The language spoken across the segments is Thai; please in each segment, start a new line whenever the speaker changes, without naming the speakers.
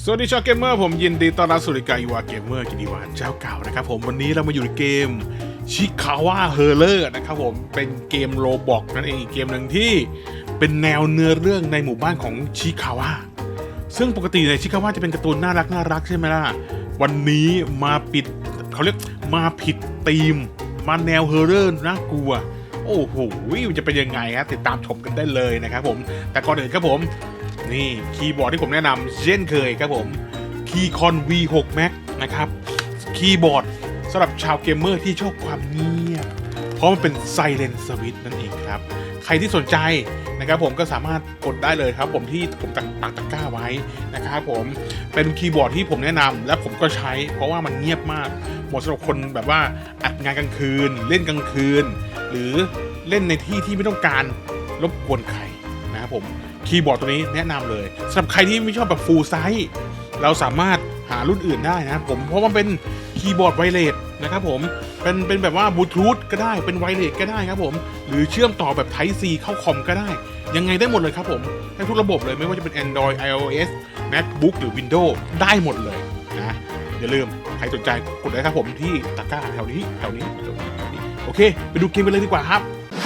สวัสดีชาวเกมเมอร์ผมยินดีต้อนรับสู่รายการอีวาเกมเมอร์กินดีวาเจ้าเก่านะครับผมวันนี้เรามาอยู่ในเกมชิคาวาเฮอร์เลอร์นะครับผมเป็นเกมโรบอกนั่นเองอีกเกมหนึ่งที่เป็นแนวเนื้อเรื่องในหมู่บ้านของชิคาวาซึ่งปกติในชิคาวาจะเป็นการ์ตูนน่ารักใช่ไหมล่ะวันนี้มาปิดเขาเรียกมาผิดธีมมาแนวเฮอร์เรอร์น่ากลัวโอ้โหจะเป็นยังไงฮะติดตามชมกันได้เลยนะครับผมแต่ก่อนอื่นครับผมนี่คีย์บอร์ดที่ผมแนะนำเช่นเคยครับผมคีย์คอน V6 Max นะครับคีย์บอร์ดสำหรับชาวเกมเมอร์ที่ชอบความเงียบเพราะมันเป็น Silent Switch นั่นเองครับใครที่สนใจนะครับผมก็สามารถกดได้เลยครับผมที่ผมปักตะกร้าไว้นะครับผมเป็นคีย์บอร์ดที่ผมแนะนำและผมก็ใช้เพราะว่ามันเงียบมากเหมาะสำหรับคนแบบว่าอัดงานกลางคืนเล่นกลางคืนหรือเล่นในที่ที่ไม่ต้องการรบกวนใครนะครับผมคีย์บอร์ดตัวนี้แนะนำเลยสำหรับใครที่ไม่ชอบแบบฟูลไซส์เราสามารถหารุ่นอื่นได้นะครับผมเพราะว่าเป็นคีย์บอร์ดไวเลสนะครับผมเป็นแบบว่าบลูทูธก็ได้เป็นไวเลสก็ได้ครับผมหรือเชื่อมต่อแบบ Type C เข้าคอมก็ได้ยังไงได้หมดเลยครับผมให้ทุกระบบเลยไม่ว่าจะเป็น Android iOS MacBook หรือ Windows ได้หมดเลยนะอย่าลืมใครสนใจกดได้ครับผมที่ตะกร้าแถวนี้โอเคไปดูเกมกันเลยดีกว่าครับ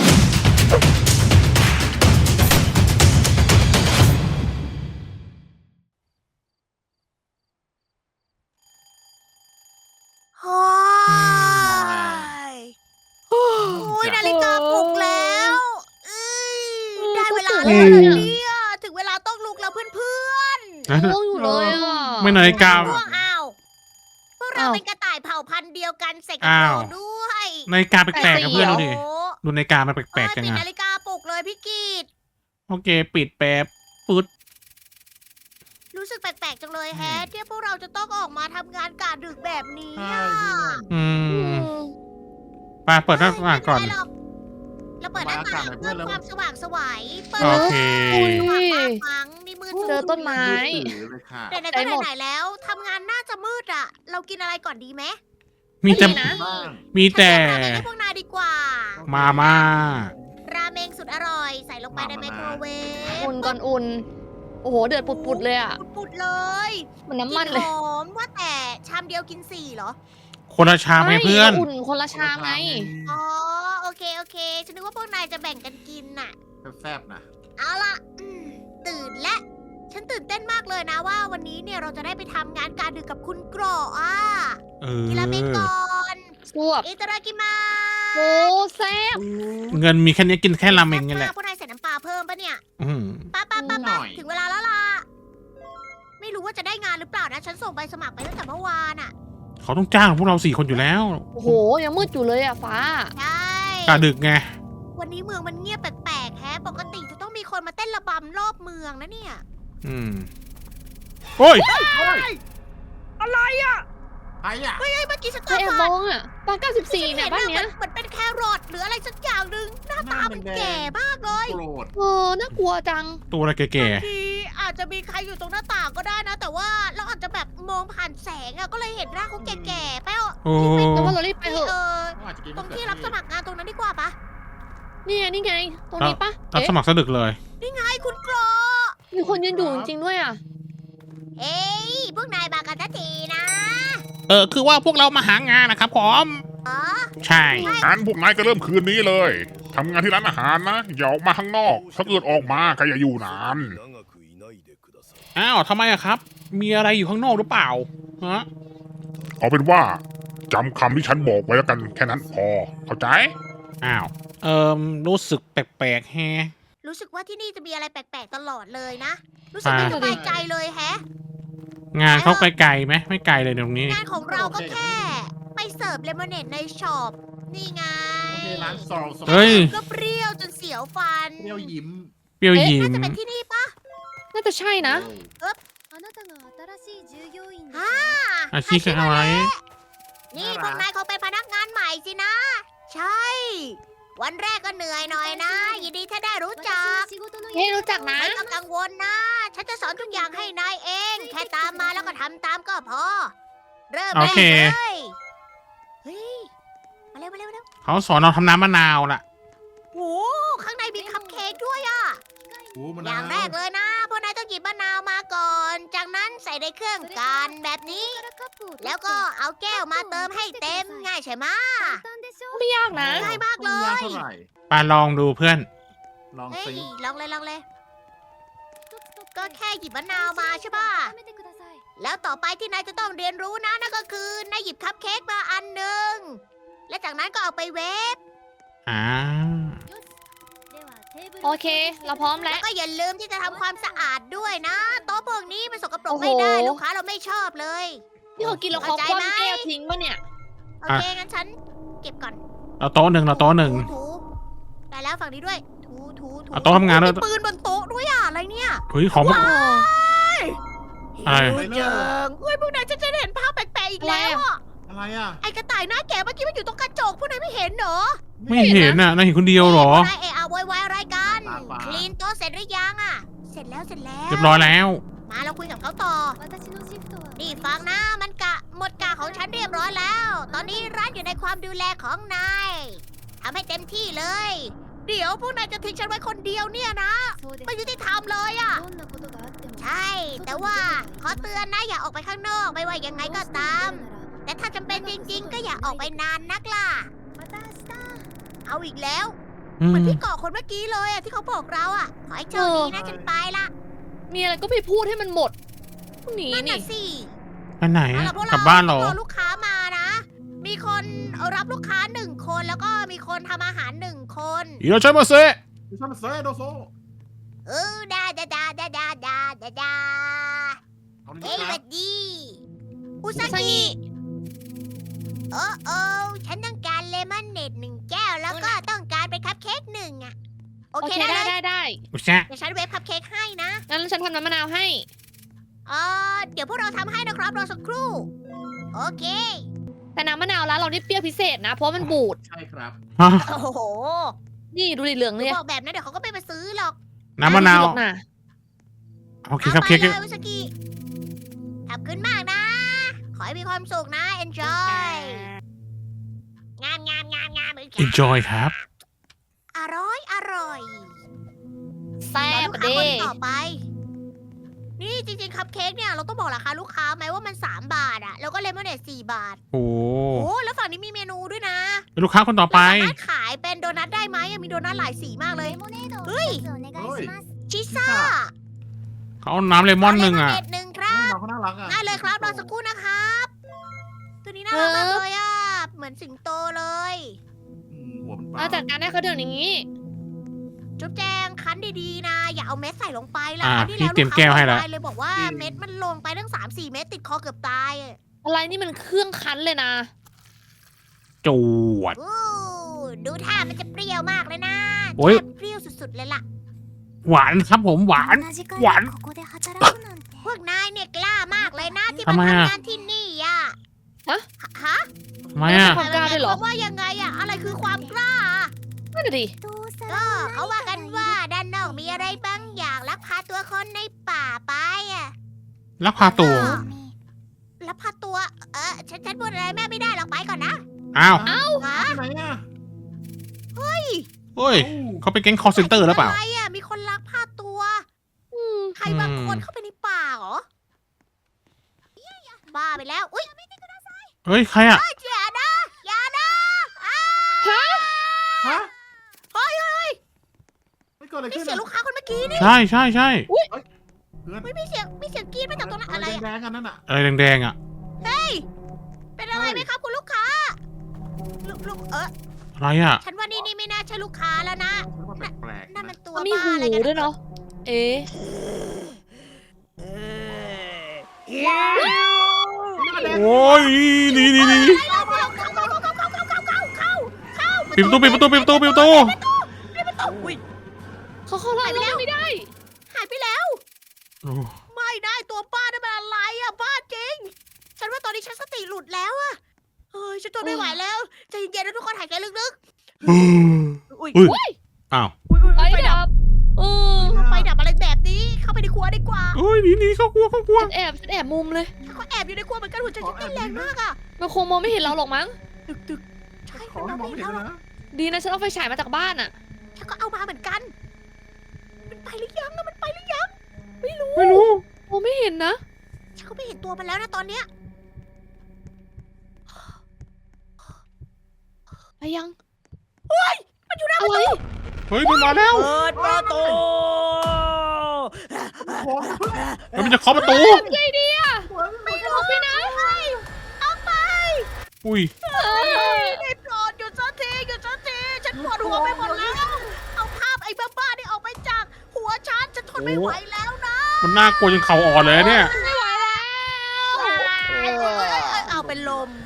โอ้ยนาฬิกาปลุกแล้วได้เวลาแล้วเนี่ยถึงเวลาต้องลุกแล้วเพื่อน
ง่วงอยู่เลยอ่ะ
ไม่นาฬิ
ๆ
กา
ง่วงอ้าวพวกเราเป็นกระต่ายเผ่าพันธุ์เดียวกันเสกกับเราด้วย
นาฬิกาแปลกๆกับเพื่อนดูดิดูนาฬิกามันแปลกๆจัง
ปิด
อะ
นาฬิกาปลุกเลยพี่กีด
โอเคปิดแป๊บปึ๊ด
รู้สึกแปลกๆจังเลยแฮะที่พวกเราจะต้องออกมาทำงานกะดึกแบบนี้อะ
อืมไปเปิดหน้าต่างก่อน
ไม่เป็ไรหรเราเปิดหน้าต่างเพื่อความสว่างไสวเปิด
โอเค
สว่างมากมั้งนี่มืด
เจอต้นไม้
ไหนๆก็ไหนๆแล้วทำงานน่าจะมืดอ่ะ เรากินอะไรก่อนดีไหม
มีแต่
ไม่ดีนะ
มีแต่
ฉันเตรียมราเมงให้พวกนายดีกว่า
มาม่า
ราเมงสุดอร่อย ใส่ลงไปในไมโครเวฟ
อุ่นก่อนอุ่น โอ้โห เดือดปุดๆเลยอ่ะ
ปุดๆเลย
เหมันน้ำมันเลย
กลิ่หอมว่าแต่ชามเดียวกิน4เหรอ
คนละชามให้เพื่อน
อุ่นคนละชามไง
อ๋อโอเคฉันนึกว่าพวกนายจะแบ่งกันกินน่ะ
แซ่บๆนะ
เอาล่ะตื่นและฉันตื่นเต้นมากเลยนะว่าวันนี้เนี่ยเราจะได้ไปทำงานการดึกกับคุณโกรอ่ะ
เอ
กินราเมงก่
อ
อน
สวบ
อิตารากิมา
โอ้แซ่บ
เงินมีแค่นี้กินแค่ราเมงนี่แหละ
พวกนายใส่น้ำปลาเพิ่มปะเนี่ย
อืม
ป้า
หน่อย
ถึงเวลาแล้วล่ะ ไม่รู้ว่าจะได้งานหรือเปล่านะ ฉันส่งใบสมัครไปตั้งแต่เมื่อวานอ่ะ
เขาต้องจ้างพวกเรา4 คนอยู่แล้ว
โอ้โห ยังมืดอยู่เลยอ่ะฟ้า
ใช่
กะดึกไง
วันนี้เมืองมันเงียบแปลกๆแฮะ ปกติจะต้องมีคนมาเต้นระบำรอบเมืองนะเนี่ย
อืมโอ้ย
อะไรอ่ะ
ใครอ่ะ
เฮ้ยเมื่อกี้ฉัน
ใคร
ตา
แอบ
ฝาด
มองอ่ะปา94เนี่ยบ้านเนี้ย
เหมือนเป็นแครอทหรืออะไรสักอย่างหนึ่งหน้าตามันแก่มากเลย
โกรธ
เออ น่ากลัวจัง
ตัวอะไรแก่
บางทีอาจจะมีใครอยู่ตรงหน้าต่างก็ได้นะ แต่ว่าเราอาจจะแบบมองผ่านแสงอะก็เลยเห็นหน้าเขาแก่ๆไปเอา
ๆโอ้
แล้วว่าเรารีบไปเถอะ
เขาอาจจะกิน
ตรงที่รับสมัครงานตรงนั้นดีกว่าปะ
นี่ไง นี่ไง ตรงนี้ปะ
รับสมัครสะดึกเลย
นี่ไงคุณโกร
มีคนยืนอยู่จริงๆด้วยอ่ะ
เอ้ยพวกนายมากันทันทีนะ
คือว่าพวกเรามาหางานนะครับผม
อ๋อ
ใช่
งั้นพวกนายก็เริ่มคืนนี้เลยทำงานที่ร้านอาหารนะอย่าออกมาข้างนอก ถ้าเกิดออกมาก็อย่าอยู่นาน
อ้าวทำไมอะครับ มีอะไรอยู่ข้างนอกหรือเปล่าฮะ
เอาเป็นว่าจำคำที่ฉันบอกไว้แล้วกันแค่นั้นพอเข้าใจ
อ้าวรู้สึกแปลกๆแฮะ
รู้สึกว่าที่นี่จะมีอะไรแปลกๆตลอดเลยนะ รู้สึกไม่สบายใจเลยแฮะ
งานเขาไกลๆไหมไม่ไกลเลยตรงนี้
งานของเราก็แค่ ไปเสิร์ฟเลมอนเนดในช็อป นี่ไง
โอเคร้านซอลส
เฮ้ย
ก็เปรี้ยวจนเสียวฟัน
เปรี้ยวยิ้ม
เปรี้ยวยิ้
น่าม จะเป็นที่นี่ปะ
น่าจะใช่นะ
อาชีพคืออะไร
นี่พวกนายเขาเป็นพนักงานใหม่สินะ ใช่ วันแรกก็เหนื่อยหน่อยนะ ยินดีถ้าได้รู้จัก
เฮ้ยรู้จักนะ
ไม่ต้องกังวลนะ ฉันจะสอนทุกอย่างให้นายเอง แค่ตามมาแล้วก็ทำตามก็พอ เริ่ม
โอ
ได้
เค
เลยเฮ้ย มาเร็วมาเร็วมาเร็ว
เขาสอนเราทำน้ำมะนาวล่ะ
โหข้างในมีคัพเค้กด้วยอะ
โอ้มัน
อย่างแรกเลยนะพวกนายต้องหยิบมะนาวมาก่อนจากนั้นใส่ในเครื่องกันแบบนี้ แล้วก็เอาแก้วมาเติมให้เต็มง่ายใช่ไหม
ไม่ยากนะ
ง่ายมากเล
ไม่ยาก
ย
เท่าไหร่
ปาลองดูเพื่อน
ลอง
เฮ้ย
สิ
ลองเลยลองเลย ก็แค่หยิบมะนาวมาใช่ป่ะ แล้วต่อไปที่นายจะต้องเรียนรู้นะนั่นก็คือนายหยิบคัพเค้กมาอันหนึ่ง และจากนั้นก็เอาไปเวฟ
อ่า
โอเค เราพร้อมแล้
แล้ว วก็อย่าลืมที่จะทำความสะอาดด้วยนะโต๊ะพวกนี้มันสกปรก
โอ้โห
ไม่ได้ลูกค้าเราไม่ชอบเลย
นี่เขากินแล้วเขา
เข้าใจ
คว่ำ
ไหม
แก้วทิ้งปะเนี่ย
โอเคงั้นฉันเก็บก่อน
เราโต๊ะหนึ่งเราโต๊ะหนึ่ง
ถูได้แล้วฝั่งนี้ด้วย ถู
เอาโต๊ะทำงานด้วย
มีปืนบนโต๊ะด้วยอ่ะอะไรเนี่ย
เฮ้ยของมัน
ว้าย
อะไร
หิวจังเฮ้ยพวกนายจะเห็นภาพแปลกๆอีกแล้วอ่ะ
อะไรอ่ะ
ไอ้กระต่ายหน้าแก่เมื่อกี้มันอยู่ตรงกระจกพวกนายไม่เห็นเหรอ
ไม่เห็นน่ะนายเห็นคนเดียวเหรอ
นายเอะอะโวยวายอะไรกัน คลีนโต๊ะเสร็จหรือยังอ่ะ เสร็จแล้ว
เรียบร้อยแล้ว
มาเราคุยกับเขาต่อ นี่ฟังนะมันหมดกะของฉันเรียบร้อยแล้ว ตอนนี้ร้านอยู่ในความดูแลของนายทำให้เต็มที่เลย เดี๋ยวพวกนายจะทิ้งฉันไว้คนเดียวเนี่ยนะ ไม่ยุติธรรมเลยอ่ะ ใช่ แต่ว่าขอเตือนนะอย่าออกไปข้างนอกไม่ว่ายังไงก็ตาม แต่ถ้าจำเป็นจริงๆ ก็อย่าออกไปนานนักล่ะ เอาอีกแล้ว
อื
เหมือน
ม
พี่เกาะคนเมื่อกี้เลยอะที่เขาบอกเราอะขอให้โชคดีนะฉันไปละ
มีอะไรก็ไปพูดให้มันหมดพวกนี้
นั่น
นี่
น่ะสิ
ไปไหน
เอา
อะ
ล่ะพวก
ก
เรา
ลับบ้านเหรอ
รอลูกค้ามานะ มีคนรับลูกค้า1 คนแล้วก็มีคนทำอาหาร1 คน
อีโรชัยมาเซะ
ดิฉันเซ่โดโซ
ดาดา
เอาดิ
เฮ้ย
ค
ส
รั
วั
บ
สดี อุซากิ โอ้ฉันต้องการเลมอนเนต1 แก้ว แล้วก็ต้องการเป็นคัพเค้ก1อะโอ
โอ
เค
เค
ได้
ได้
เลย
ได้
อุชะ
เดี๋ยวฉันเวฟคัพเค้กให้นะ
งั้นฉันทำน้ำมะนาวให้
เดี๋ยวพวกเราทำให้นะครับรอสักครู่ โอเค
แต่น้ำมะนาวร้านเรานี่เปรี้ยวพิเศษนะ เพราะมันบูด
ใช่ครับ
ฮะ
โอ้โห
นี่ดูดิเหลืองเลย
บอกแบบนั้นเดี๋ยวเขาก็ไม่มาซื้อหรอก
น้ำมะนาว
ไหรอกนะ
โอเคครับเค้ก
อาไปเลยอุสกิขอบคุณมากนะ ขอให้มีความสุขนะ enjoy งามเหมือนกัน
enjoy ครับ
อร่อย
แซ่บ
รอลูกค้า
เด้
คนต่อไป นี่จริงๆคัพเค้กเนี่ยเราต้องบอกราคาลูกค้าไหมว่ามัน3 บาทอะแล้วก็เลมอนเนต4 บาท
โอ้
โอ้แล้วฝั่งนี้มีเมนูด้วยนะ
เป็นลูกค้าคนต่อไป
เราสามารถขายเป็นโดนัทได้ไหมอะมีโดนัทหลายสีมากเลย เฮ้ย ชิซ่า
เขาเอาน้ำเลมอนหนึ่งอ่ะ
เลมอนเนต1 ครับ
น้องเขาน่ารักอ่ะ
ได้เลยครับรอสักครู่นะครับ ตัวนี้น่ารักมากเลยอ่ะ เหมือนสิงโตเลย
หัวมันเป
เรา
ล่า
จัดการให้เขาเดี๋ยวนี้
จุ๊บแจงคั้นดีๆนะ อย่าเอาเม็ดใส่ลงไปล่ะ
อ่า
คราวที่
พี่เตรียมแก้วให้แล้ว
ลูกค้าเลยบอกว่าเม็ดมันลงไปตั้ง3-4 เม็ดติดคอเกือบตายอะ
อะไรนี่มันเครื่องคั้นเลยนะ
จวด
อู้ดูท่ามันจะเปรี้ยวมากเลยนะ
โอ้ย
แทบเปรี้ยวสุดๆเลยล่ะ
หวานครับผมหวาน หวาน
พวกนายเนี่ยกล้ามากเลยนะที่
ทำ
มา
ไมอะ
ทำงานที่นี่อ่ะ ฮะ
ทำไมอ่ะ
ความกล้าด้วยเหรอ
ว่ายังไงอ่ะ อะไรคือความกล้าอะ
นั่นน่ะดิ
ก็เขาว่ากันว่าด้านนอกมีอะไรบางอย่างลักพาตัวคนในป่าไปอ่ะ
ลักพาตัว
ลักพาตัว ฉันพูดอะไรแม่ไม่ได้หรอกไปก่อนนะ
อ้าว
ฮะ
ที่ไหนอ่ะ
เฮ้ย เขาเป็นแก๊งคอร์เซนเตอร์หรือเปล่า
อะไรอ่ะ มีคนลักพาตัว ใครบางคนเข้าไปในป่าเหรอ บ้าไปแล้ว อุ้ย
เฮ้ย ใครอ่ะ
อย่านะอย่านะอ้า
ฮะ
เฮ้ย
ไม่เกิดอะไร
นี่
ขึ้น
เสียงลูกค้าคนเมื่อกี้นี่
ใช่ใช่ใช่
ไม่มีเสียงกรีดมาจากตรงนั้นอะไรอะ
แดงๆกันนั่นอ่ะ
อะไรแดงๆอ่ะ
เป็นอะไรไหมครับคุณลูกค้า ลูก
อะไรอ่ะ
ฉันว่านี่ไม่น่าใช่ลูกค้าแล้วนะ
ฉันว่าแปลกๆ
นั่น
นะ
มันตัว
มันมี
บ้า
หู
อะไรกัน
ด้วยเนาะ เอ๊ะ
โอ้ยนี่ปิดประตูปิดประตูปิดประตูปิดประตู
เขาเข้าร้านเราไม่ได้
หายไปแล้ว
โอ้
ไม่ได้ตัวป้านั่นเป็นอะไรอะบ้าจริง ฉันว่าตอนนี้ฉันสติหลุดแล้วอะเฮ้ยฉันทนไม่ไหวแล้วใจเย็นๆนะทุกคนหายใจลึกๆอุ้ย
อุ้ยอ้าว
ไฟ
ไฟดับ
ดับ เออ
ไฟดับอะไรแบบนี้ เข้าไปในครัวดีกว่า
โอ้ยหนีเขากลัว
ฉันแอบมุมเลย
เขาแอบอยู่ในครัวเหมือนกันหัวใจฉันเต้นแรงมากอะ
มันคงมองไม่เห็นเราหรอกมั้ง
ตึกใช่
ขอให้มองไม่เห็นเลยนะ
ดีนะฉันเอาไฟฉายมาจากบ้านอะ
ฉันก็เอามาเหมือนกัน มันไปหรือยังอะมันไปหรือยัง
ไม่รู้
โอ้ไม่เห็นนะ
ฉันก็ไม่เห็นตัวมันแล้วนะตอนเนี้ย
ไปยังเฮ้ยมันอยู่หน้าประตู
เฮ้ยมันมาแล้ว
เปิดประตู
แล้วมันจะเคาะประตู
ไงดีอะไม่ออกไปนะ
เอาไป
อุ้ย
ได้โปรดหยุดสักทีหยุดสักทีฉันปวดหัวไปหมดแล้ว เอาภาพไอ้บ้าๆนี่ออกไปจากหัวฉันทนไม่ไหวแล้วนะ
มันน่ากลัวจนเข่าอ่อนเลยนะเนี่ย
ไม่ไหวแล้ว
เอาเป็นลม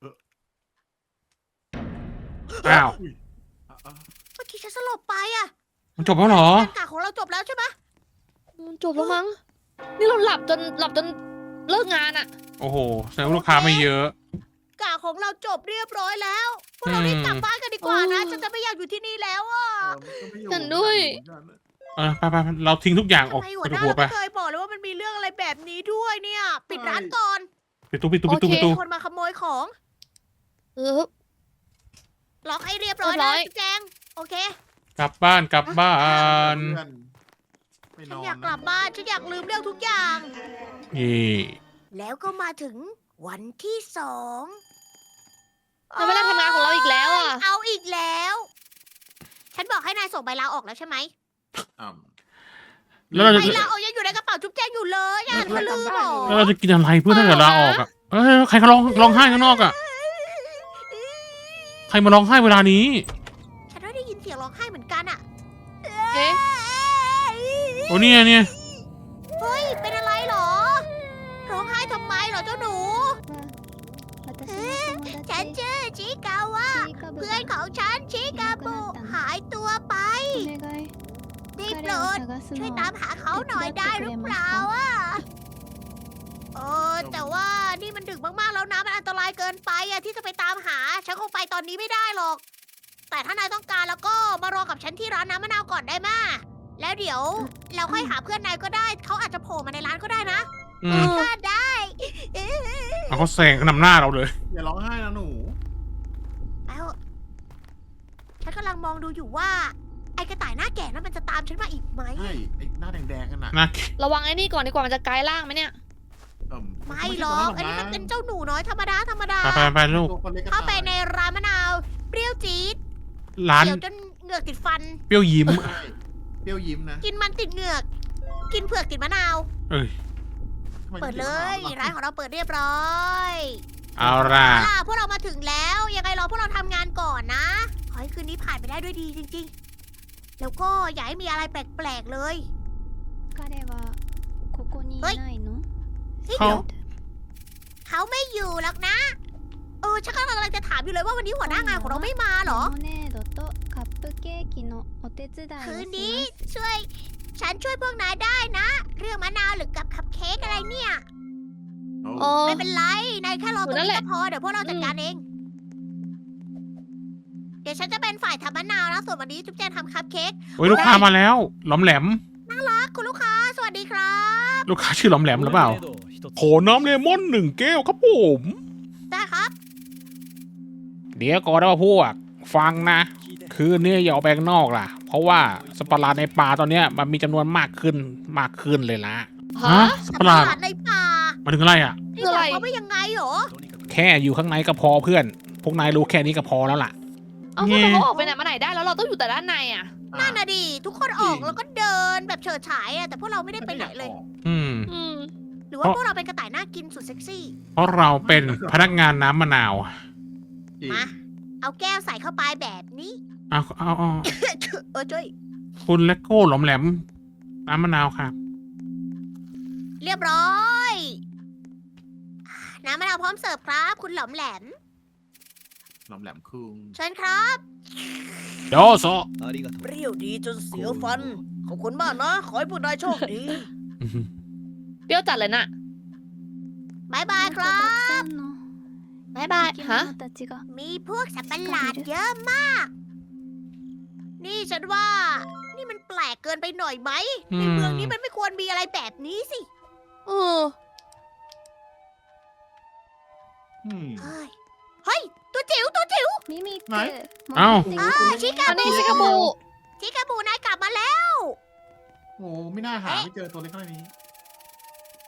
อ้าว
เมื่อกี้ฉันสลบไปอะ
มันจบแล้วเหรอ
การกะของเราจบแล้วใช่ไหม
จบแล้วมั้ง นี่เราหลับจนเลิกงานอะ
โอ้โหแสดงว่าลูกค้าไม่เยอะ
กะของเราจบเรียบร้อยแล้วพวกเรารีบกลับบ้านกันดีกว่านะฉันจะไม่อยากอยู่ที่นี่แล้วอะ
ฉันด้วย
ไปเราทิ้งทุกอย่างออก
ทำไม
ไป
หัวหน้า
หัว
เรา
ไป
ไม่เคยบอกเลยว่ามันมีเรื่องอะไรแบบนี้ด้วยเนี่ย ปิดร้านก่อน
ปิดตู้
คนมาขโมยของ
เออ
ล็อกให้เรียบร้อย
เรียบร้
นะ
อย
จุ๊บแจงโอเค
กลับบ้าน
ไม่น
ฉัน
อน
อยากกลับบ้านฉันอยากลืมเรื่องทุกอย่าง
นี่
แล้วก็มาถึงวันที่2
แต่เวลาทำงานของเราอีกแล้วอะ
เอาอีกแล้ว ฉันบอกให้นายส่งใบลาออกแล้วใช่ไหม
แล้วเรา
ใบ
จะ
ลาออกยังอยู่ในกระเป๋าจุ๊บแจงอยู่เลยอ่ะเธอลืมเหรอ
แล้วเราจะกินอะไรเพื่อถ้าเกิดลาออกอ่ะเอ้ยใครเขาร้องไห้ข้างนอกอ่ะใครมาร้องไห้เวลานี้
ฉันได้ยินเสียงร้องไห้เหมือนกันอ่ะ
เอ๊ะ
โอ้เนี่ย
เฮ้ยเป็นอะไรเหรอ ร้องไห้ทำไมเหรอเจ้าหนู ฉันชื่อชิกาวะเพื่อนของฉันชิกาบุหายตัวไปได้โปรดช่วยตามหาเขาหน่อยได้หรือเปล่าอ่ะแต่ว่านี่มันดึกมากๆแล้วนะมันอันตรายเกินไปอ่ะที่จะไปตามหาฉันคงไปตอนนี้ไม่ได้หรอก แต่ถ้านายต้องการแล้วก็มารอกับฉันที่ร้านน้ำมะนาวก่อนได้มาแล้วเดี๋ยวเราค่อยหาเพื่อนนายก็ได้เขาอาจจะโผล่มาในร้านก็ได้นะ
อืม
ก็ได้
เอาเขาแซงนำหน้าเราเลย
อย่าร้องไห้นะหนู
แล้วฉันกำลังมองดูอยู่ว่า ไอ้กระต่ายหน้าแก่นั้นมันจะตามฉันมาอีกไหม
ใช่ไอ้หน้าแดงๆกันน่ะ
นะ
ระวังไอ้นี่ก่อนดีกว่ามันจะกลายร่างไหมเนี่ย
ไม่หรอกอันนี้มันเป็นเจ้าหนูน้อยธรรมดา
ไปลูก
เข้าไปในร้านมะนาว เปรี้ยวจี๊ด
ร้าน
เดี๋ยวจนเหงือกติดฟัน
เปรี้ยวยิ้ม
ใช่เปรี้ยวยิ้มนะ
กินมันติดเหงือก กินเผือกติดมะนาว
เอ้ย
ทำไม
เปิดเลย
ถึง
ร้านของเราเปิดเรียบร้อย
เอาล่ะ
พวกเรามาถึงแล้ว ยังไงรอพวกเราทำงานก่อนนะ ขอให้คืนนี้ผ่านไปได้ด้วยดีจริงๆ แล้วก็อย่าให้มีอะไรแปลกๆเลย
彼はここにいないの
เฮ้ย
เขา
เดี๋ยวเขาไม่อยู่หรอกนะ ฉันกำลังจะถามอยู่เลยว่าวันนี้หัวหน้างานของเราไม่มาเหรอ
レモネードとカップケーキのお手伝いを
คืน
し
นี้
ます
ฉันช่วยพวกนายได้นะ เรื่องมะนาวหรือกับคัพเค้กอะไรเนี่ย
โอ้
โอ้
ไม่เป็นไร นายแค่รอตรง
นั่นแห
นี้
ละ
ก็พอ เดี๋ยวพวกเราจัดการเอง เดี๋ยวฉันจะเป็นฝ่ายทำมะนาวนะ ส่วนวันนี้จุ๊บแจงทำคัพเค้ก
โอ้ยลูกค้ามาแล้วหลอมแหลม
คุณลูกค้า สวัสดีครับ
ลูกค้าชื่อหลอมแหลมหรือเปล่าขอน้ำเลมอน1 แก้วครับผม
ได้ครับ
เดี๋ยวก่อนนะพวกฟังนะ คืนนี้อย่าออกไปข้างนอกล่ะ เพราะว่าสัตว์ประหลาดในป่าตอนเนี้ยมันมีจำนวนมากขึ้นเลยละ
ฮะ
สัตว์ประหลาด
ในป่า
มาถึงอะไรอ่ะ
นี่หมายความว่ายังไงเหรอ
แค่อยู่ข้างในก็พอเพื่อน พวกนายรู้แค่นี้ก็พอแล้วล่ะ
เอาทำไมเขาออกไปไหนมาไหนได้แล้วเราต้องอยู่แต่ด้านในอะ
นั่นน่ะดิ ทุกคนออกแล้วก็เดินแบบเฉิดฉายอะแต่พวกเราไม่ได้ไปไหนเลย
อืม
อืม
หรือว่าพวกเราเป็นกระต่ายน่ากินสุดเซ็กซี่
เพราะเราเป็นพนักงานน้ำมะนาว
จริง
มา เอาแก้วใส่เข้าไปแบบนี้
เอา
ช่วย
คุณเลโก้หลอมแหลม น้ำมะนาวครับ
เรียบร้อย น้ำมะนาวพร้อมเสิร์ฟครับ คุณหลอมแหลม
หลอมแหลมคุง
เชิญครับ
โดโซ
เปรี้ยวดีจนเสียวฟัน ขอบคุณมากนะ ขอให้พวกนายโชคดี
เปรี้ยวจัดเลยน่ะ
บายบาย
もっ
ค
と
รั
たく
บ
さんの
บ๊ายบาย
生き
ฮะ
物たちが
มีพวกสัตว์ประหลาดเยอะมาก นี่ฉันว่า นี่มันแปลกเกินไปหน่อยไหม ในเมืองนี้มันไม่ควรมีอะไรแบบนี้สิ
เออ
เฮ้ย เฮ้ย ตัวจิ๋ว ตัวจิ๋ว
ミミック
ない
戻
あ
ってきて
ชิคา
อัน
บู
นี้ชิคาบู
ชิคาบูนายกลับมาแล้ว
โอ้ไม่น่าหาไม่เจอตัวเล็กขนาดนี้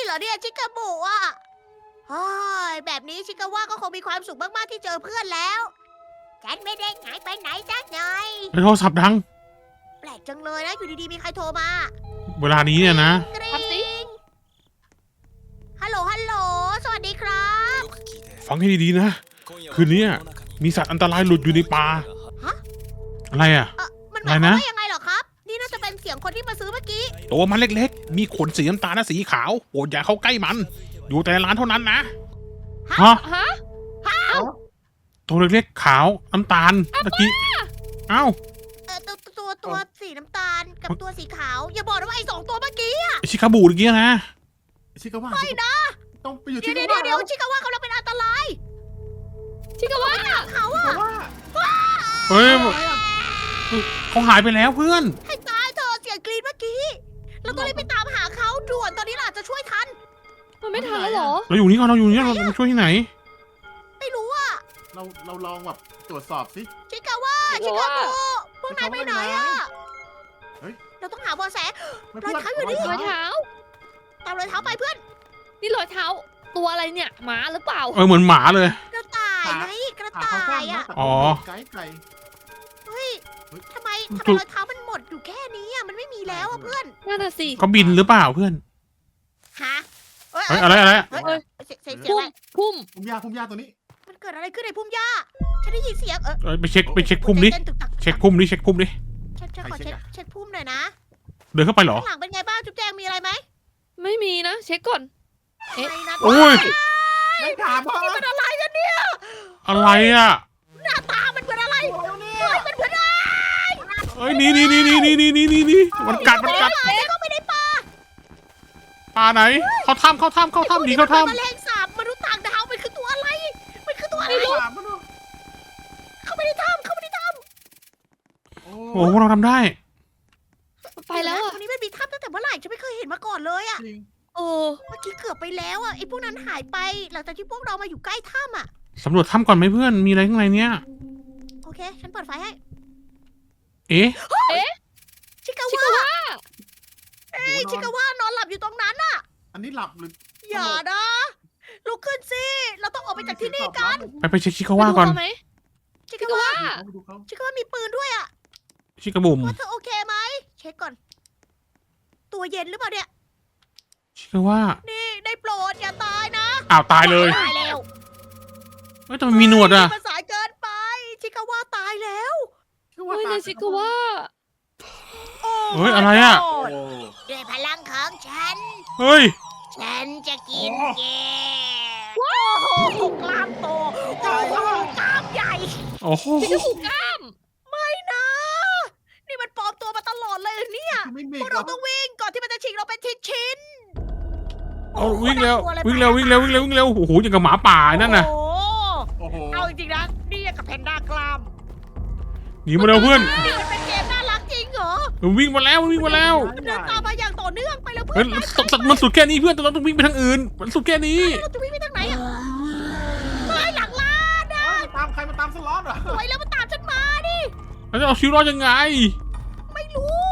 เหรอเนี่ยชิคาบุอ่ะโอ้ยแบบนี้ชิคาว่าก็คงมีความสุขมากๆที่เจอเพื่อนแล้ว ฉันไม่ได้หายไปไหนสักหน่อย
โทรศัพท์ดัง
แปลกจังเลยนะอยู่ดีๆมีใครโทรมา
เวลานี้เนี่ยนะ
กริ๊
รับสิ
งฮัลโหลฮัลโหลสวัสดีครับ
ฟังให้ดีๆนะ คืนนี้มีสัตว์อันตรายหลุดอยู่ในป่า
ฮะ
อะไรอ่ะ
มันหมาย
อะไร
ความ
นะ
ว่ายังไงเหรอครับ นี่น่าจะเป็นเสียงคนที่มาซื้อเมื่อกี้
ตัวมันเล็กๆ มีขนสีน้ำตาลและสีขาวโปรดอย่าเข้าใกล้มัน อยู่แต่ในร้านเท่านั้นนะ ฮะ
ฮะ
ตัวเล็กๆ ขาวน้ำตาลตะกี้ เอ้า
ตัวสีน้ำตาลกับตัวสีขาว อย่าบอกนะว่าไอ้สองตัวเมื่อกี้
ไอ้ชิคาบูตะกี้นะ
ชิคาว่า
ไม่นะ
ต้องไปอยู่ที่
เดี๋ยว
ว่า
เดี๋ยวชิคาว่ากำลังเป็นอันตราย
ชิคาว่า
เขาอะ
ว่า
เฮ้ยเขาหายไปแล้วเพื่อน
ให้ตายเธอะเสียงกรีดเมื่อกี้ เราต้องรีบไปตามหาเขาด่วนตอนนี้เราอาจจะช่วยทัน
มันไม่ทันแล้วเหรอ
เราอยู่นี่ก่อนเราอยู่นี่เราช่วยที่ไหน
ไม่รู้อะ
เราลองแบบตรวจสอบสิ
ชิคาว่าชิคาบุพวกนายไปไหนอะ
เฮ้ย
เราต้องหาเบาะแส
ไม่
รอยเท้าอยู่นี่
รอยเท้า
ตามรอยเท้าไปเพื่อน
นี่รอยเท้า ตัวอะไรเนี่ยหมาหรือเปล่า
เหมือนหมาเลย
กระต่ายไงกระ
ขา
ต่า
เขาสั้น
ย
นะ
อะ
แต่
อ๋อ
ไก่
เฮ้ย
เฮ้ย
ทำไม
จุด
รอยเท้ามันหมดอยู่แค่นี้อะมันไม่มีแล้วอะเพื่อน
น่าจะสิ
เขาบินหรือเปล่าเพื่อน
ฮะเอ้ย
เฮ้ยอะไรอะไร
เฮ้ย
เอ้ย
เสียง
พุ่
อะไร
มพุ่ม
พุ่มหญ้าตัวนี้
มันเกิดอะไรขึ้นในพุ่มหญ้าฉันได้ยินเสียง
ไปเช็คพุ่มดิ
หัวใจเต้นตึกตัก
เช็คพุ่มดิเช็คพุ่มดิ
ฉันขอเช็คพุ่มหน่อยนะ
เดินเข้าไปเหรอ
ข้างหลังเป็นไงบ้างจุ๊บแจงมีอะไรไหม
ไม่มีนะ เช็คก่อน เอ๊ะ
ไม่นะ
โอ้ย
ไม่ถามพ่อ
นี่มันอะไรกันเนี่ย
อะไรอ่ะ
หน้าตามันเหมือนอะไรเฮ้ยมันเหมือนอะไร
เอ้ยนี่มันกัด
เข้าไปในป่า
ปลาไหน เขาถ้ำหนีเขาถ้
แมลงสาบมนุษย์ต่างดาวมันคือตัวอะไร มันคือตัวอะไร
ถามมันดู
เข้าไปในถ้ำ
โอ้
ำโอ้โหเราทำได้
ไปแล้ว
ต
อ่ะ
รงนี้มันมีถ้ำตั้งแต่เมื่อไหร่ฉันไม่เคยเห็นมาก่อนเลยอะ
จริง
เออ
เมื่อกี้เกือบไปแล้วอะไอ้พวกนั้นหายไป หลังจากที่พวกเรามาอยู่ใกล้ถ้ำอะ
สำรวจถ้ำก่อนไหมเพื่อน มีอะไรข้างในเนี้ย
โอเค ฉันเปิดไฟให้
เอ๊ะ
ชิคา
ชิ
ว่า
คาว่า
เอ้ยชิคาว่านอนหลับอยู่ตรงนั้นน่ะ
อันนี้หลับหรือ
อย่านะ ลุกขึ้นสิ เราต้องออกไปจากที่นี่กัน
ไปเช็คชิคาว่าก่อน
ไปดูเขไหม
ชิ
ชิ
คา
คา
ว่า
ว่า
ไปดูเขา
ชิคาว่ามีปืนด้วยอะ
ชิคาบุม
ว่าเธอโอเคไหม เช็คก่อน ตัวเย็นหรือเปล่าเนี่ย
ชิคาว่า
นี่ได้โปรดอย่าตายนะ
อ้าวตายเลย
ตายแล้ว
เฮ้ยแต่มันมีหนวดอ่ะ
มันสายเกินไป ชิคาว่าตายแล้ว
ชื่อว่า
เฮ้ย
ตา
ในชิคาว่า
เฮ้ยอะไรอะ
โด้วยพลังของฉัน
เฮ้ย
ฉันจะกินแกโอ้โหกล้ามโตโอ้โหกล้ามใหญ่
โอ้โห
ชิคาบุกล้าม
ไม่นะ นี่มันปลอมตัวมาตลอดเลยเนี่ย
ไม่มี
พวกเราต้องวิ่งก่อนที่มันจะฉีกเราเป็นชิ้นๆ
เอาวิ่งเร็ว
โอ้โห
วิ่งเร็ววิ่งเร็ววิ่งเร็ววิ่งเร็วโอ้โหอย่างกับหมาป่านั่นน่ะ
โอ้โห
โอ้โห
เอาจริงๆนะ นี่ยังกับแพนด้ากล้าม
หนีมาเร็วเพื่อน
นี่มันเป็นเกมน่ารักจริงเหรอ
มันวิ่งมาแล้วมันวิ่งมาแล้ว
มันเดินตามมาอย่างต่อเนื่องไปแล้ว
เฮ้
เพื่
ย
อน
มันสุดแค่นี้เพื่อนแต่เราต้องวิ่งไปทางอื่น มันสุดแค่นี้
เราจะวิ่งไปทางไหนอ่ะเฮ้ยหลังล้านนะ
ตามใครมาตามสล็อตเหรอ
สวยแล้วมันตามฉันมาดิ
เราจะเอาชีวิตรอดยังไง
ไม่รู้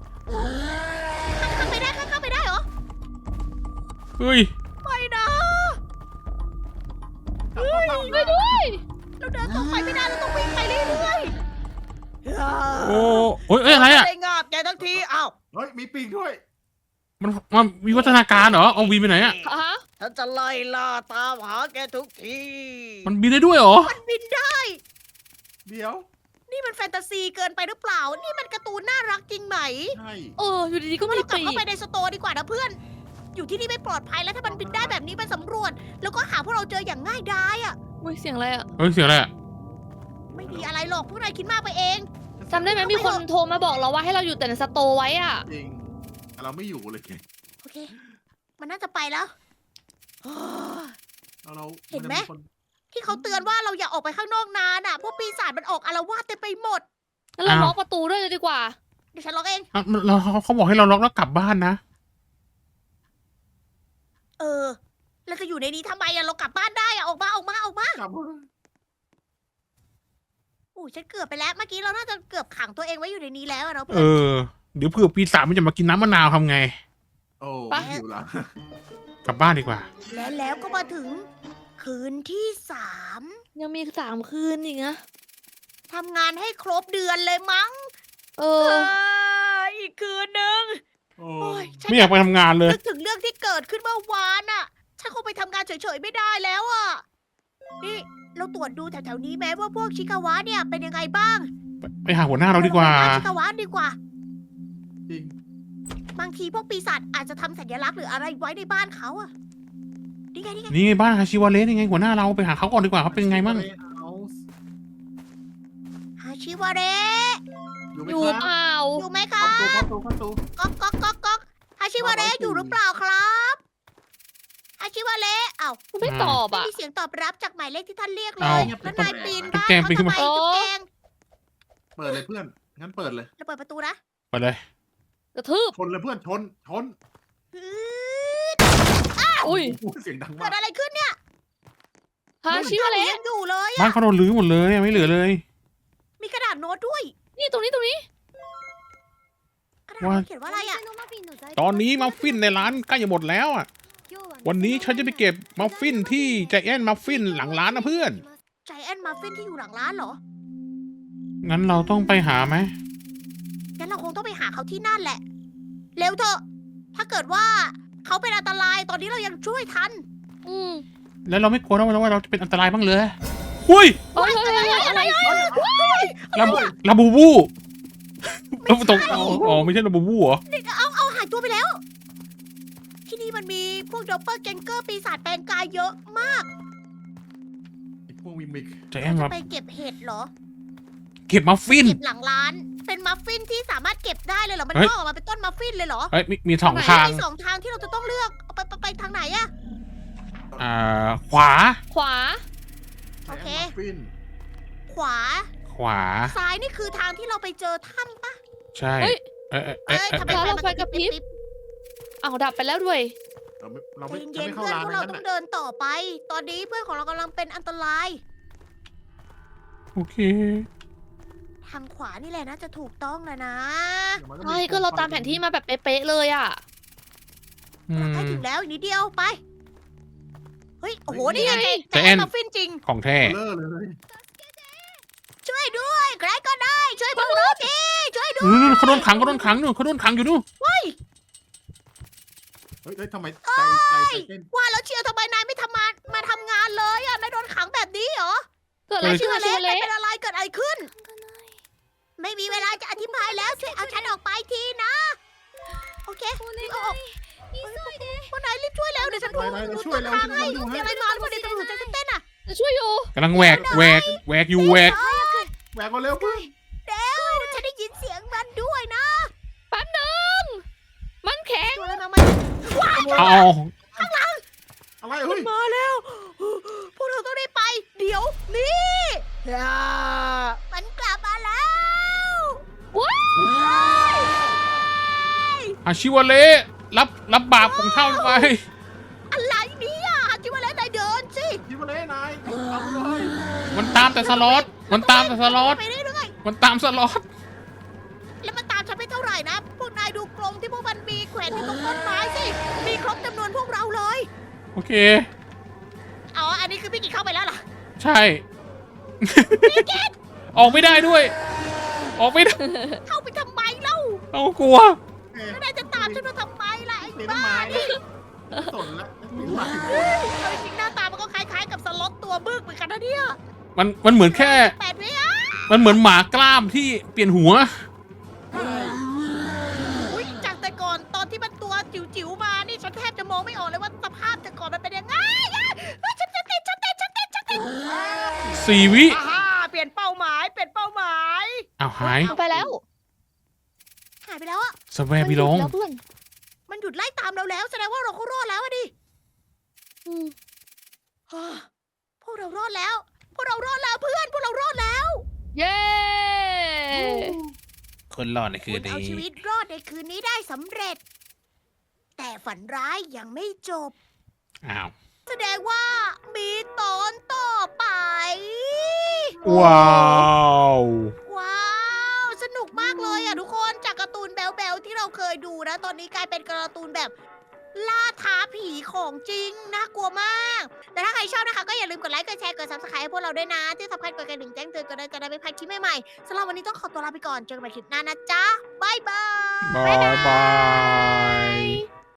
ข้ามไปได้ข้ามไปได้เหรอ
เฮ้ย
ไม่นะ
ไปด้วย
เราเดินตรงไปไม่ได้เราต้องวิ่งไปเรื่อยๆ
โอ้เฮ้ยเอ้ยอะไรอ่ะ
ได้งาบแกทั้งทีอ้าว
เฮ้ยมีปีกด้วย
มันมีวัฒนาการเหรอ เอาบินไปไหนอ่ะ
ฮะ
ฉันจะไล่ล่าตามหาแกทุกที
มันบินได้ด้วยเหรอ
มันบินได้
เดี๋ยว
นี่มันแฟนตาซีเกินไปหรือเปล่า นี่มันการ์ตูนน่ารักจริงไหม
ใช่
เออ อยู่ดีๆก็
ว่า
มี
เรากลับ
ปี
เข้าก ไปในสโตร์ดีกว่านะเพื่อน อยู่ที่นี่ไม่ปลอดภัยแล้วถ้ามันบินได้แบบนี้มันสำรวจ แล้วก็หาพวกเราเจออย่างง่ายดายอ่ะ
อุ้ยเสียงอะไรอ่ะ
เฮ้ยเสียงอะไรอ่ะ
ไม่มีอะไรหรอกพวกนายคิดมากไปเอง
จำได้ไหมมีคนโทรมาบอกเราว่าให้เราอยู่แต่ในสโตร์ไว้อ่ะ
จริงแต่เราไม่อยู่เลย
โอเค มันน่าจะไปแล้ว
เรา
เห็นไหม
คน
ที่เขาเตือนว่าเราอย่าออกไปข้างนอกนานอ่ะ เพราะปีศาจมันออกอาละวาดเต็มไปหมด
งั้นเรา
อ้าว
ล็อกประตูด้วยเลยดีกว่า
เดี๋ยวฉันล็อกเอง
อ่ะเขาบอกให้เราล็อกแล้วกลับบ้านนะ
เออ เราจะอยู่ในนี้ทำไมอะเรากลับบ้านได้อะออกมา
กลับมา
อู้ฉันเกือบไปแล้ว เมื่อกี้เราน่าจะเกือบขังตัวเองไว้อยู่ในนี้แล้วอะเนาะ
เอ
เพื่อน
อ เดี๋ยวเผื่อปีศาจมันจะมากินน้ำมะนาวทำไง
โอ้
ไป
อยู่ละ
กลับบ้านดีกว่า
และแล้วก็มาถึงคืนที่
ยังมี3 คืนอีกนะ
3ทำงานให้ครบเดือนเลยมั้ง
เอ
เอ
อ
อีกคืนนึง
โอ้
โอ้ยฉัน
ไม่อยากไปทำงานเลย
นึกถึงเรื่องที่เกิดขึ้นเมื่อวานอะฉันคงไปทำงานเฉยๆไม่ได้แล้วอะนี่เราตรวจดูแถวๆนี้แม้ว่าพวกชิคาวะเนี่ยเป็นยังไงบ้าง
ไปหาหัวหน้าเราดีกว่า
เรไปหชิคาวะดีกว่า
จริง
บางทีพวกปีศาจอาจจะทำสัญลักษณ์หรืออะไรไว้ในบ้านเขาอะนี่ไงนี่ไง
นี่ไงบ้านฮาชิวาเระนี่ไงหัวหน้าเราไปหาเขาก่อนดีกว่าเขาเป็นไงบ้าง
ฮาชิวาเระ
อยู่ไหม
อยู่
ครับ
เปล่า
อยู่ไหม
เข้า
คะ
ประตูเข้าประตูเข้าประตู
ก๊อกก๊อกก๊อกก๊อกฮาชิวาเระอยู่หรือเปล่าครับฮาชิวาเระเอ้า
คุณไม่ตอบ
ไม่
อ่ะ
มีเสียงตอบรับจากหมายเลขที่ท่านเรียกเล
เอ้า
ยแล้วนายปีน
จุ๊บ
บ้าน
แจง
เขา
ปีนขึ้น
ทำ
มา
ไมจุ๊บแจง
เปิดเลยเพื่อน งั้นเปิดเลย
เราเปิดประตูนะ
ไปเลย
กระทืบ
ชนเลยเพื่อน ชน
ฮืด
อุ้ย
โอ้โหเสียงดัง
เกิ
มาก
ดอะไรขึ้นเนี่ย
ฮาชิวะเละ
ยังอยู่เลย
บ้า
อะ
นเขาโดนรื้อหมดเลยไม่เหลือเลย
มีกระดาษโน้ตด้วย
นี่ตรงนี้
กระดาษโน้ตเขียนว่าอะไรอะ
ตอนนี้มัฟฟินในร้านใกล้จะหมดแล้วอ่ะ วันนี้ฉันจะไปเก็บมัฟฟินที่ใจแอนมัฟฟินหลังร้านนะเพื่อน
ใจแอนมาฟินที่อยู่หลังร้านเหรอ
งั้นเราต้องไปหาไหม
งั้นเราคงต้องไปหาเขาที่นั่นแหละ เร็วเถอะ ถ้าเกิดว่าเขาเป็นอันตรายตอนนี้เรายังช่วยทัน
อืม
แล้วเราไม่กลัวนะว่าเราจะเป็นอันตรายบ้างเลยหุ้ย
เฮ้ยอะไร
ลาบูบูเราตกอ๋อไม่ใช่ลาบูบูเหรอ
เอาหายตัวไปแล้ว ที่นี่มันมีพวกดอปเปอร์แกงเกอร์ปีศาจแปลงกายเยอะมาก
ไอ้พวกวิมิก
ใจแอนมา
ไปเก็บเห็ดเหรอ
เก็บมัฟฟิน
เก็บหลังร้าน เป็นมัฟฟินที่สามารถเก็บได้เลยเหรอ มัน
เฮ้ย
งอกออกมาเป็นต้นมัฟฟินเลยเหรอ
เอ้ยมีสองทาง
มีสองทางที่เราจะต้องเลือกเอาไปทางไหนอะ
ขวา
ขวา
โอเค
ฟิน
ขวา
ขวา
ซ้ายนี่คือทางที่เราไปเจอถ้ำปะ
ใช่
เฮ้ย
เอ้ย
เอ้ยทำไม
แล้ว
ไฟมัน
ไฟกระพริบ
ปิ๊
อ้าวดับไปแล้วด้วย
เราไม่
ใจ
จะ
เย็น
ไม่
ๆ
เข้า
เพื่อน
ร้าน
พวก
นั้
เรา
น
ต้อง
น่ะ
เดินต่อไป ตอนนี้เพื่อนของเรากำลังเป็นอันตราย
โอเค
ทางขวานี่แหละนะจะถูกต้องแล้วนะ
เดี๋ยวมัน
ใช่ก็เราตามแผนที่มาแบบเป๊ะๆเลยอ่ะ
ใกล้ถึงแล้วอีกนิดเดียวไป เฮ้ย โอ้โห นี่ไง
ใจแอน
มัฟฟินจริง
ของแท้
เลอะเลย
ช่วยด้วยใครก็ได้ ช่วยพวกเราทีช่วยด้วย
เขาโดนขังนู่นเขาโดนขังอยู่นู่น
เฮ้ยทำไมใจเต้น
ว่าแล้วเชียวทำไมนายไม่ทำงานมาทำงานเลยอ่ะนายโดนขังแบบนี้เหรอ
เกิดอะไรขึ้น
เชื่อ
ฮาชิ
เล็
วะ
นาย
เละ
เป็นอะไรเกิดอะไรขึ้น ไม่มีเวลาจะอธิบายแล้วช่วยเอาฉันออกไปทีนะ โอเคเอาออกพวกนายรีบช่วยแล้วเดี๋ยวฉันดู
นาย
ดู
ช่วย
ต้น
แล้ว
ทางให้
ช่วย
มี
แล้ว
อะไรมาหรือเปล่าเดี๋ยวตำรวจจะเต้นอ่ะ
จะช่วยอยู่
กำลังแหวกอยู่แหวก
แหวกมาเร็วเพื่อน
เดี๋ยวฉันได้ยินเสียงมันด้วยนะ
แป๊บนึงมันแข็ง
ตัวอะไรมา
เอา
อะไรเฮ้ย
มาแล้ว พวกเราต้องได้ไป เดี๋ยวนี่มันกลับมาแล้ว
ว้า
อาชิวะเละรับบาปของเท่าไป
อะไรเนี่ยจิวาเลนนายเดินสิ
ที่มาเลยนายทำเลย
มันตามแต่สล็อต
ไปเรื่อย
มันตามสล็อต
ๆแล้วมันตามฉันไปเท่าไหร่นะ พวกนายดูกรงที่พวกมันมีแขวนอยู่ตรงต้นไม้สิ มีครบจำนวนพวกเราเลย
โอเค
อ๋อ อันนี้คือพี่กิจเข้าไปแล้วเหรอ
ใช่ ออกไม่ได้ด้วย ออกไม่ได้
เข้าไปทำไมเล่า
เอากลัว
แล้วนายจะตามฉันมาทำไมล่ะไอ้
เลี้ยง
บ้า
ไม้
นี่
สนละมีไม้
เอาจริงๆหน้าตามันก็คล้ายๆกับสล็อตตัวบึกเหมือนกันนะเนี่ย
มันเหมือนแค่
8 วิอ่ะ
มันเหมือนหมากล้ามที่เปลี่ยนหัว
อุ๊ยจากแต่ก่อนตอนที่มันตัวจิ๋วๆมานี่ฉันแทบจะมองไม่ออกเลยว่าสภาพแต่ก่อนมันเป็นยังไงอ่ะเฮ้ยฉันติด
4 วิ
อ่าเปลี่ยนเป้าหมาย
อ้าวหาย
ไปแล้ว
หายไปแล้วอ่ะ
สแวร์พี่ลง
แล้วเพื่อน
มันหยุดไล่ตามเราแล้วแสดงว่าเราก็รอดแล้วอะดิ
อืม
ฮ่าพวกเรารอดแล้ว พวกเรารอดแล้วเพื่อน พวกเรารอดแล้ว
เย้
คนรอดในคื
คุ
น
ณเอา
นี้
ชีวิตรอดในคืนนี้ได้สำเร็จ แต่ฝันร้ายยังไม่จบ
อ้าว
แสดงว่ามีตอนต่อไป
ว้าว
ว้าว สนุกมากเลยอ่ะทุกคน จากการ์ตูนแบลๆที่เราเคยดูนะ ตอนนี้กลายเป็นการ์ตูนแบบล่าท้าผีของจริงน่ากลัวมาก แต่ถ้าใครชอบนะคะก็อย่าลืมกดไลค์กดแชร์กด subscribe ให้พวกเราด้วยนะ ที่สำคัญกดกระดิ่งแจ้งเตือนกันเลยจะได้ไม่พลาดคลิปใหม่ๆสำหรับวันนี้ต้องขอตัวลาไปก่อนเจอกันใหม่คลิปหน้านะจ๊ะบ๊ายบาย
บายบาย